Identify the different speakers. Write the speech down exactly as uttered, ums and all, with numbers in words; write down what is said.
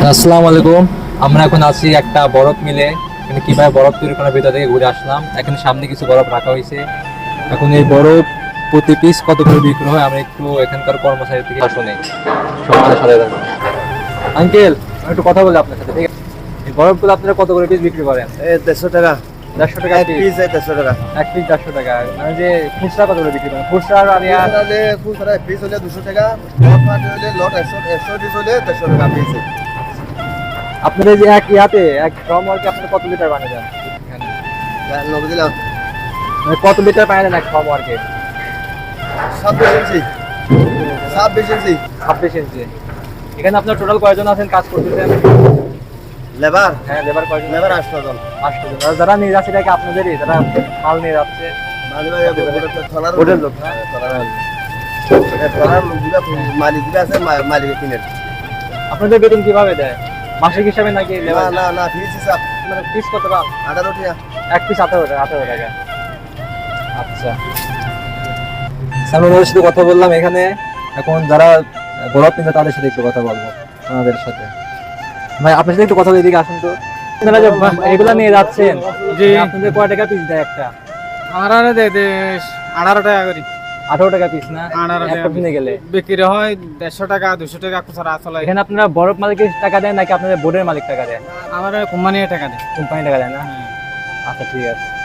Speaker 1: আসসালামু আলাইকুম। আমরা এখন আছি একটা বরফ মিলে। এখানে কিভাবে বরফ তৈরি করার ভিতর থেকে ঘুরে আসলাম। এখানে সামনে কিছু বরফ রাখা হয়েছে। এখন এই বরফ প্রতি পিস কত করে বিক্রি হয় আমরা একটু এখানকার কর্মচারী থেকে শুনি। সমাজের সাথে থাকুন। আঙ্কেল, আমি একটু কথা বলি আপনার সাথে, ঠিক আছে? এই বরফগুলো আপনারা কত করে পিস বিক্রি করেন?
Speaker 2: এই দেড়শো টাকা
Speaker 1: দেড়শো টাকা
Speaker 2: এক
Speaker 1: পিস।
Speaker 2: পিস, এই দেড়শো টাকা
Speaker 1: এক পিস দেড়শো টাকা। মানে যে খুচরা কত করে বিক্রি করেন? খুচরা আর আর ইয়া-
Speaker 2: খুচরা হলে খুচরা এক পিস হলে দুশো টাকা, লট পাটি হলে লট একশো একশো পিস হলে দেড়শো টাকা পিস।
Speaker 1: আপনাদের যে এক ইয়াতে এক ড্রাম ওয়ার্কে আপনারা কত লিটার বানিয়ে দেন এখানে?
Speaker 2: নব্বই দিলাম
Speaker 1: মানে কত লিটার বানিয়ে দেন এক ড্রাম ওয়ার্কে?
Speaker 2: ছাব্বিশ ইঞ্চি ছাব্বিশ ইঞ্চি
Speaker 1: ছাব্বিশ ইঞ্চি। এখানে আপনার টোটাল কয়জন আছেন কাজ করতেছেন?
Speaker 2: লেবার
Speaker 1: হ্যাঁ, লেবার কয়জন?
Speaker 2: লেবার আসতো জন
Speaker 1: আটশো জন। আর যারা নিয়ে যাচ্ছে এটা কি আপনাদেরই, যারা মাল নিয়ে যাচ্ছে?
Speaker 2: মাঝে মাঝে থানার
Speaker 1: হোটেল লোক না?
Speaker 2: থানার লোকগুলা মালিক গুলা আছে, মা- মালিকে কিনে।
Speaker 1: আপনাদের বেতন কিভাবে দেয়? মাসিক হিসাবে নাকি
Speaker 2: না
Speaker 1: লেবার?
Speaker 2: না না ফিস হিসাব
Speaker 1: মানে পিস কত পান?
Speaker 2: আঠারো টাকা।
Speaker 1: এক পিস আঠারো টাকা আঠারো টাকা আচ্ছা। সালমান ভাইয়ের সাথে কথা বললাম এখানে। এখন যারা বরফ নিবে তাদের সাথে একটু কথা বলবো, ওনাদের সাথে। ভাই, আপনার সাথে একটু কথা বলি, এদিকে আসুন তো। আপনারা যে এগুলা নিয়ে যাচ্ছেন,
Speaker 3: জি।
Speaker 1: আপনাদের কয় টাকা পিস দেয় একটা?
Speaker 3: আমরা দে দে আঠারো টাকা করি।
Speaker 1: আঠারো টাকা পিস না?
Speaker 3: আঠারো
Speaker 1: একটা
Speaker 3: টাকা
Speaker 1: কিনে গেলে
Speaker 3: বিক্রি হয় দেড়শো টাকা দুশো টাকা খুচরা আসলে।
Speaker 1: এখানে আপনারা বরফ মালিকের টাকা দেন নাকি আপনাদের বোর্ডের মালিক টাকা দেন?
Speaker 3: আমার কোম্পানি টাকা দেয়।
Speaker 1: কোম্পানি টাকা দেয় না? আচ্ছা, ঠিক আছে।